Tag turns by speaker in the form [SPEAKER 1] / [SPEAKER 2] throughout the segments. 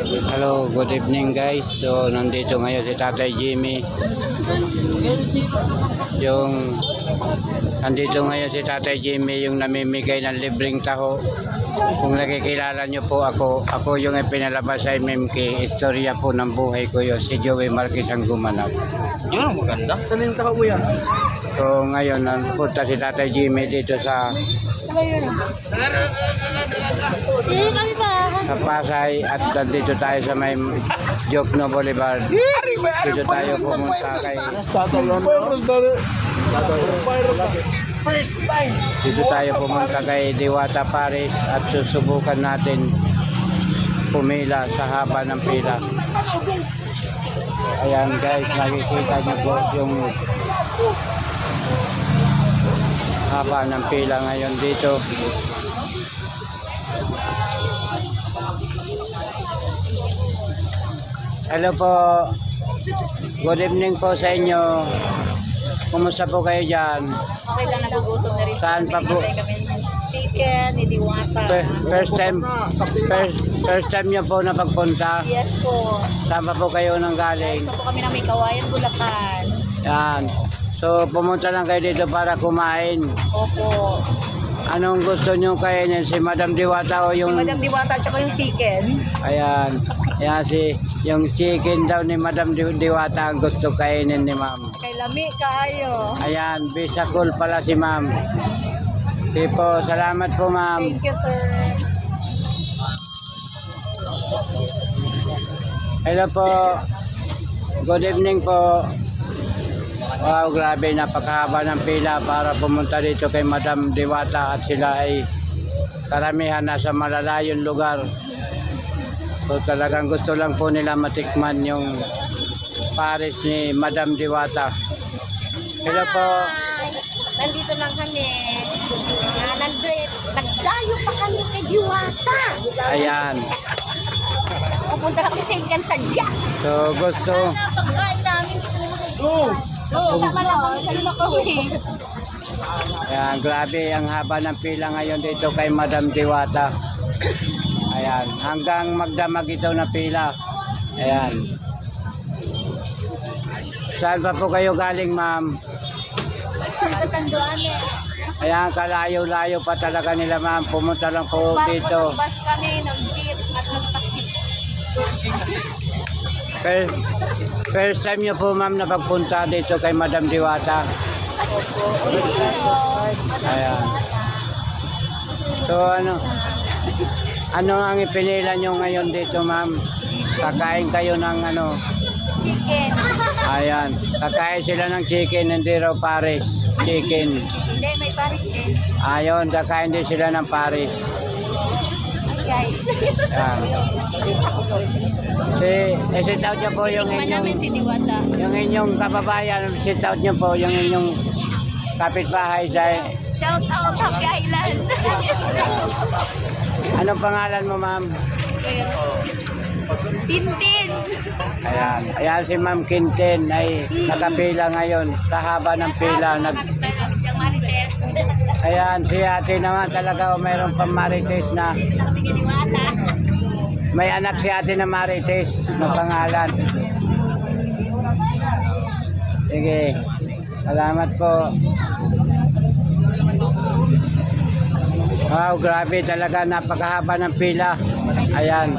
[SPEAKER 1] Hello, good evening guys. So, nandito ngayon si Tatay Jimmy. Nandito ngayon si Tatay Jimmy, yung namimigay ng libreng taho. Kung nakikilala nyo po ako yung ipinalabas sa MMK. Istorya po ng buhay ko yun. Si Joey Marquez ang gumanap.
[SPEAKER 2] Yun ang maganda. Saan yung taho mo yan?
[SPEAKER 1] So, ngayon, nandito si Tatay Jimmy dito sa Pasay at nandito tayo sa may Jokno Boulevard. Dito tayo pumunta kay
[SPEAKER 2] First time.
[SPEAKER 1] Dito tayo pumunta kay Diwata Paris at susubukan natin pumila sa haba ng pila. Ayan guys, nakikita niyo po yung haba ng pila ngayon dito. Hello po. Good evening po sa inyo. Kumusta po kayo dyan?
[SPEAKER 3] Okay lang, nagugutom na rin.
[SPEAKER 1] Saan pa po?
[SPEAKER 3] Chicken, ni Diwata.
[SPEAKER 1] First time niyo po na pagpunta?
[SPEAKER 3] Yes po.
[SPEAKER 1] Saan pa po kayo nang galing?
[SPEAKER 3] Ito po kami ng may kawayan, Bulacan.
[SPEAKER 1] Yan. So pumunta lang kayo dito para kumain.
[SPEAKER 3] Opo.
[SPEAKER 1] Anong gusto niyo kainin? Si Madam Diwata o yung...
[SPEAKER 3] Si Madam Diwata at saka yung chicken.
[SPEAKER 1] Ayan. Ayan yung chicken daw ni Madam Diwata ang gusto kainin ni Ma'am.
[SPEAKER 3] Kay lami kaayo.
[SPEAKER 1] Ayan, Bisakol pala si Ma'am. Sige po, salamat po Ma'am.
[SPEAKER 3] Thank you, sir.
[SPEAKER 1] Hello po. Good evening po. Wow, grabe, napakahaba ng pila para pumunta dito kay Madam Diwata at sila ay karamihan nasa malalayong lugar. So talagang gusto lang po nila matikman yung Paris ni Madam Diwata. Hello po.
[SPEAKER 3] Nandito lang kami. Nagdayo pa kami kay Diwata.
[SPEAKER 1] Ayan.
[SPEAKER 3] Pupunta kami sa Incan Sadya.
[SPEAKER 1] So gusto.
[SPEAKER 3] Napagkain namin po. Kasama lang kami sa Lumakawin.
[SPEAKER 1] Ayan, grabe ang haba ng pila ngayon dito kay Madam Diwata. Ayan, hanggang magdamag ito na pila. Ayan. Saan pa po kayo galing, Ma'am?
[SPEAKER 3] Tanduane.
[SPEAKER 1] Ayan, kalayo-layo pa talaga nila, Ma'am. Pumunta lang po dito.
[SPEAKER 3] Bus kami, nag-jeep at nag-taxi.
[SPEAKER 1] First time nyo po, Ma'am, na pagpunta dito kay Madam Diwata. Ayan. So, ano ang ipinila nyo ngayon dito, Ma'am? Kakain kayo ng
[SPEAKER 3] Chicken.
[SPEAKER 1] Ayan. Kakain sila ng chicken, hindi raw Paris. Chicken.
[SPEAKER 3] Hindi, may Paris din.
[SPEAKER 1] Ayun, kakain din sila ng Paris.
[SPEAKER 3] Guys.
[SPEAKER 1] Ayan. Sit out nyo po yung
[SPEAKER 3] namin si Diwata.
[SPEAKER 1] inyong kababayan. Sit out nyo po yung inyong kapitbahay sa...
[SPEAKER 3] Shout out, Happy Islands.
[SPEAKER 1] Anong pangalan mo, Ma'am?
[SPEAKER 3] Tintin.
[SPEAKER 1] Ayan. Ayan si Ma'am Quintin ay nakapila ngayon sa haba ng pila. Ayan, si ate naman talaga mayroon pang Marites na. May anak si ate na Marites na pangalan. Sige. Salamat po. Wow, grabe talaga. Napakahaba ng pila. Ayan.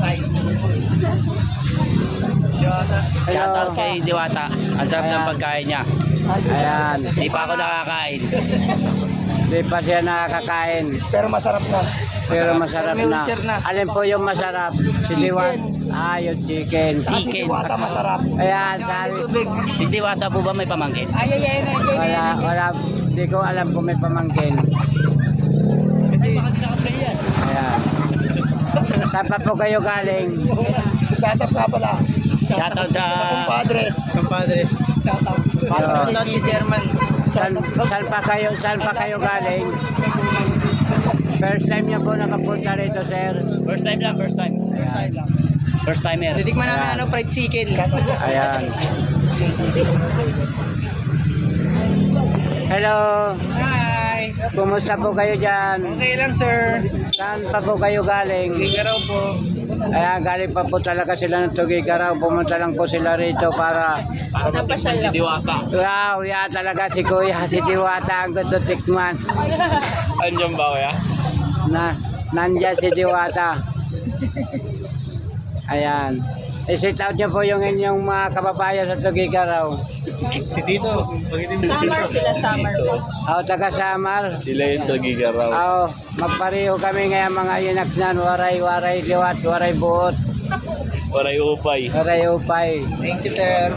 [SPEAKER 2] Shoutout kay Diwata. Ang sarap ng pagkain niya.
[SPEAKER 1] Ayan.
[SPEAKER 2] Hindi pa ako nakakain.
[SPEAKER 1] Hindi pa siya nakakain.
[SPEAKER 4] Pero masarap na.
[SPEAKER 1] Pero masarap
[SPEAKER 4] May
[SPEAKER 1] na.
[SPEAKER 4] ulcer na.
[SPEAKER 1] Alin po yung masarap? Si Diwata. Yung chicken.
[SPEAKER 4] Kasi Diwata masarap.
[SPEAKER 1] Ayan,
[SPEAKER 4] May
[SPEAKER 1] sabi.
[SPEAKER 4] tubig.
[SPEAKER 2] Si Diwata po ba may pamangkin?
[SPEAKER 1] Wala. Hindi ko alam kung may pamangkin. Ayan. Saan pa po kayo galing?
[SPEAKER 4] Shoutout nga pala.
[SPEAKER 2] Shoutout sa...
[SPEAKER 4] Sa kumpadres. Shoutout.
[SPEAKER 1] Shoutout
[SPEAKER 4] si German.
[SPEAKER 1] Saan pa kayo galing? First time niyo po nakapunta rito, sir?
[SPEAKER 2] First time lang, first time. First timer.
[SPEAKER 4] Titikman
[SPEAKER 1] Ayan.
[SPEAKER 4] namin fried chicken.
[SPEAKER 1] Ayan. Hello.
[SPEAKER 4] Hi.
[SPEAKER 1] Kumusta po kayo dyan?
[SPEAKER 4] Okay lang, sir.
[SPEAKER 1] Saan pa po kayo galing?
[SPEAKER 4] Ligaraw po.
[SPEAKER 1] Kaya galing pa po talaga sila ng Tugigaraw. Pumunta lang po sila rito para
[SPEAKER 2] Napasyal si Diwata.
[SPEAKER 1] wow, yeah, talaga si Kuya, si Diwata ang gusto tikman.
[SPEAKER 2] Andiyan ba kuya?
[SPEAKER 1] Nandyan si Diwata. Ayan. I-sit out niyo po yung inyong mga kababayan sa Tugigaraw.
[SPEAKER 4] Si Tito.
[SPEAKER 3] Summer sila, summer.
[SPEAKER 1] Ako taga Samar.
[SPEAKER 2] Sila yung Tugigaraw.
[SPEAKER 1] Oo, magpareho kami ngayon mga yunaknan. Waray liwat, waray buot,
[SPEAKER 2] Waray upay.
[SPEAKER 1] waray upay.
[SPEAKER 4] Thank you, sir.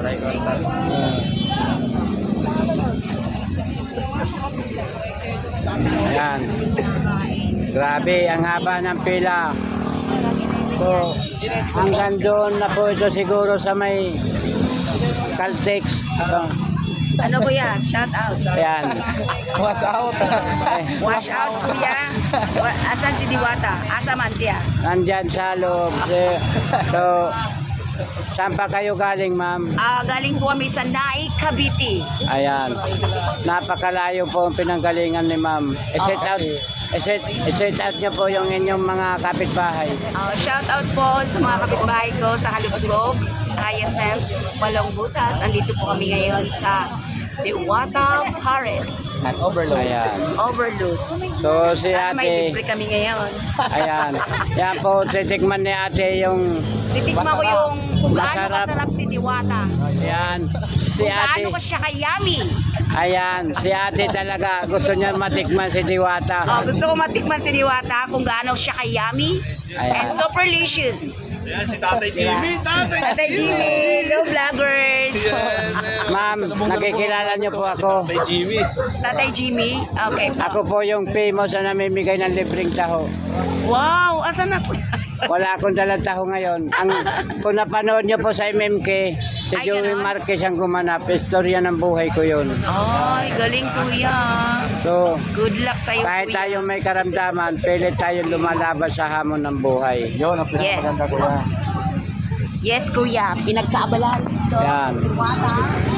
[SPEAKER 1] Ayan. Grabe, ang haba ng pila. So, hanggang doon na po ito siguro sa may Caltex. So,
[SPEAKER 3] Ano kuya? Shout out.
[SPEAKER 1] ayan.
[SPEAKER 4] Was out.
[SPEAKER 1] Eh,
[SPEAKER 3] Wash out kuya. Asan si Diwata? Asa man siya?
[SPEAKER 1] nandyan sa loob. So, saan pa kayo galing, ma'am?
[SPEAKER 3] Galing po kami sa Naik, Cavite.
[SPEAKER 1] Ayan. Napakalayo po ang pinanggalingan ni ma'am. I-set out niyo po yung inyong mga kapitbahay.
[SPEAKER 3] Shout out po sa mga kapitbahay ko sa Halugog, ISM, Walong Butas. Andito po kami ngayon sa Diwata, Paris.
[SPEAKER 4] At overload.
[SPEAKER 1] Ayan.
[SPEAKER 3] Overload.
[SPEAKER 1] So, si
[SPEAKER 3] Sana may
[SPEAKER 1] ate,
[SPEAKER 3] libre kami ngayon.
[SPEAKER 1] ayan. Yan po, titikman ni ate yung,
[SPEAKER 3] Titikman ko yung kung gaano
[SPEAKER 1] Masarap.
[SPEAKER 3] kasarap si Diwata.
[SPEAKER 1] ayan. Si
[SPEAKER 3] Kung
[SPEAKER 1] ate,
[SPEAKER 3] gaano ko siya kayami.
[SPEAKER 1] ayan. Si ate talaga, gusto niya matikman si Diwata.
[SPEAKER 3] Gusto ko matikman si Diwata kung gaano siya kayami.
[SPEAKER 1] Ayan.
[SPEAKER 3] And super delicious.
[SPEAKER 2] Ayan si Tatay Jimmy.
[SPEAKER 3] Tatay Jimmy, go vloggers.
[SPEAKER 1] Ma'am, nakikilala niyo po ako.
[SPEAKER 2] Tatay Jimmy.
[SPEAKER 3] Tatay Jimmy, okay po.
[SPEAKER 1] Ako po yung famous na namimigay ng libreng taho.
[SPEAKER 3] Wow, asan na po?
[SPEAKER 1] Wala akong dalang taho ngayon. Kung napanood niyo po sa MMK, si
[SPEAKER 3] Ay,
[SPEAKER 1] Joey
[SPEAKER 3] ganon?
[SPEAKER 1] Marquez ang gumanap. Istorya ng buhay ko yun.
[SPEAKER 3] Ay, galing kuya.
[SPEAKER 1] So,
[SPEAKER 3] Good luck sa'yo
[SPEAKER 1] kahit
[SPEAKER 3] kuya.
[SPEAKER 1] tayo may karamdaman, pilit tayong lumalaban sa hamon ng buhay.
[SPEAKER 4] Yun, ang
[SPEAKER 3] Yes.
[SPEAKER 4] pinakamaganda ko yan.
[SPEAKER 3] Yes kuya, pinagkaabalahan dito.
[SPEAKER 1] Yan.
[SPEAKER 3] Diwata.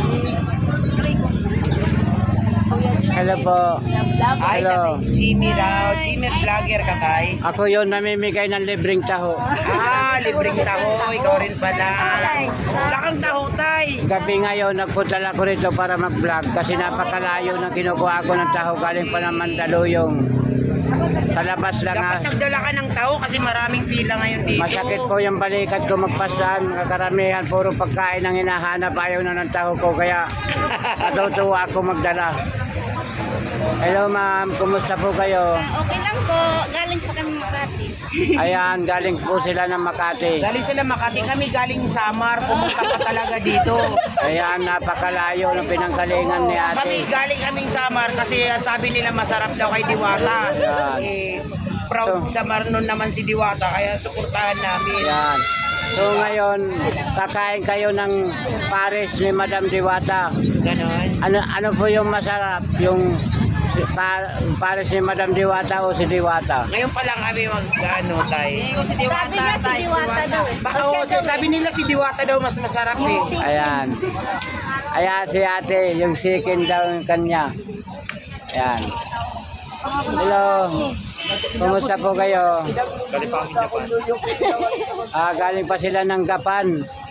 [SPEAKER 1] Hello po.
[SPEAKER 5] Ay,
[SPEAKER 1] Hello.
[SPEAKER 5] Jimmy daw. Jimmy vlogger ka kay.
[SPEAKER 1] Ako yun namimigay ng libreng taho.
[SPEAKER 5] Libreng taho. Ikaw rin pala. Wala kang taho, tay.
[SPEAKER 1] Gabi ngayon, nagpunta lang ako rito para mag-vlog kasi napakalayo ng kinukuha ko ng taho galing pa ng Mandaluyong. Sa labas lang ha.
[SPEAKER 5] Dapat nagdala ka ng taho kasi maraming pila ngayon dito.
[SPEAKER 1] Masakit po yung balikat ko magpasan. Kakaramihan, puro pagkain ang hinahanap. Ayaw na ng taho ko. Kaya natutuwa ako magdala. Hello ma'am, kumusta po kayo?
[SPEAKER 3] Okay lang po, galing pa kami Makati.
[SPEAKER 1] Ayan, galing po sila ng Makati.
[SPEAKER 5] Galing sila Makati. Kami galing Samar. Pumunta ka talaga dito.
[SPEAKER 1] Ayan, napakalayo ng pinanggalingan ni
[SPEAKER 5] Kami
[SPEAKER 1] ate.
[SPEAKER 5] galing kaming Samar kasi sabi nila masarap daw kay Diwata.
[SPEAKER 1] Yan.
[SPEAKER 5] Proud sa Marnon naman si Diwata kaya suportahan namin.
[SPEAKER 1] Ayan. So ngayon, kakain kayo ng pares ni Madam Diwata.
[SPEAKER 5] Ganon.
[SPEAKER 1] Ano po yung masarap? Yung pares ni Madam Diwata o si Diwata?
[SPEAKER 5] Ngayon pa lang kami mag-ano tayo.
[SPEAKER 3] Sabi niya si Diwata daw.
[SPEAKER 5] Baka sabi nila si Diwata daw mas masarap eh.
[SPEAKER 1] Ayan. Ayan si ate, yung chicken daw yung kanya. Ayan. Hello. Kumusta po kayo?
[SPEAKER 2] Galing pa kami Japan.
[SPEAKER 1] Galing pa sila ng Gapan.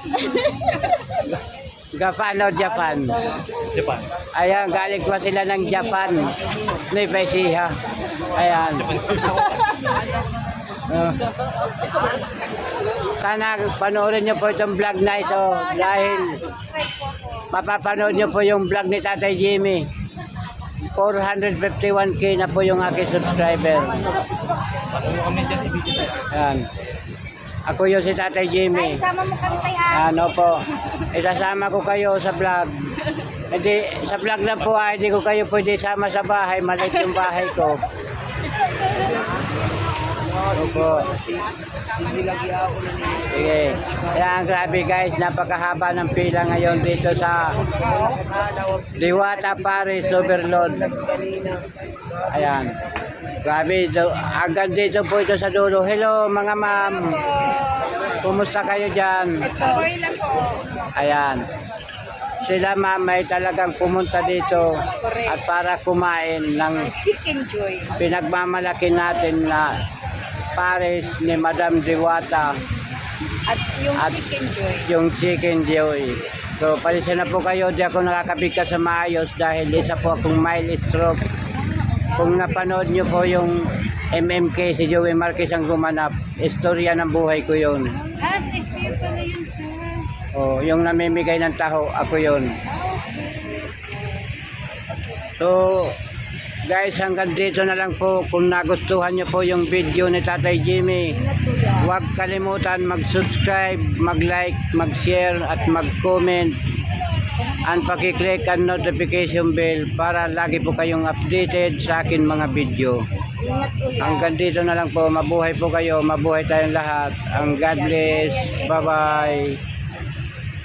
[SPEAKER 1] Gapan o Japan?
[SPEAKER 2] Japan.
[SPEAKER 1] Ayan, galing pa sila ng Japan. Nipesiha. Ayan. Sana panoorin niyo po itong vlog na ito dahil mapapanood niyo po yung vlog ni Tatay Jimmy. 451k na po yung aking subscriber.
[SPEAKER 2] Ano kami dyan si Vijay?
[SPEAKER 1] Ayan. Ako yun si Tatay Jimmy.
[SPEAKER 3] Sama mo kami tayo.
[SPEAKER 1] Ano po, isasama ko kayo sa vlog. Hindi, sa vlog lang po hindi ko kayo pwede sama sa bahay. Maliit yung bahay ko. Opo. Sige. Ayan, grabe guys. Napakahaba ng pila ngayon dito sa Diwata Paris Overload. Ayan. Grabe. Hanggang dito po ito sa dulo. Hello mga ma'am. Kumusta kayo dyan?
[SPEAKER 3] Okay lang po.
[SPEAKER 1] Ayan. Sila ma'am ay talagang pumunta dito at para kumain ng
[SPEAKER 3] Chicken Joy.
[SPEAKER 1] pinagmamalaki natin na pares ni Madam Diwata
[SPEAKER 3] At yung
[SPEAKER 1] At-
[SPEAKER 3] chicken joy.
[SPEAKER 1] yung chicken joy. So, palisa na po kayo, di ako nakakabigkas sa maayos dahil isa po akong mild stroke. Kung napanood nyo po yung MMK, si Joey Marquez ang gumanap, istorya ng buhay ko yun.
[SPEAKER 3] Shakespeare pala yun, sir.
[SPEAKER 1] O, yung namimigay ng taho, ako yun. So, guys, hanggang dito na lang po. Kung nagustuhan nyo po yung video ni Tatay Jimmy, huwag kalimutan mag-subscribe, mag-like, mag-share at mag-comment and pakiclick ang notification bell para lagi po kayong updated sa akin mga video. Hanggang dito na lang po. Mabuhay po kayo, mabuhay tayong lahat. Ang God bless. Bye-bye.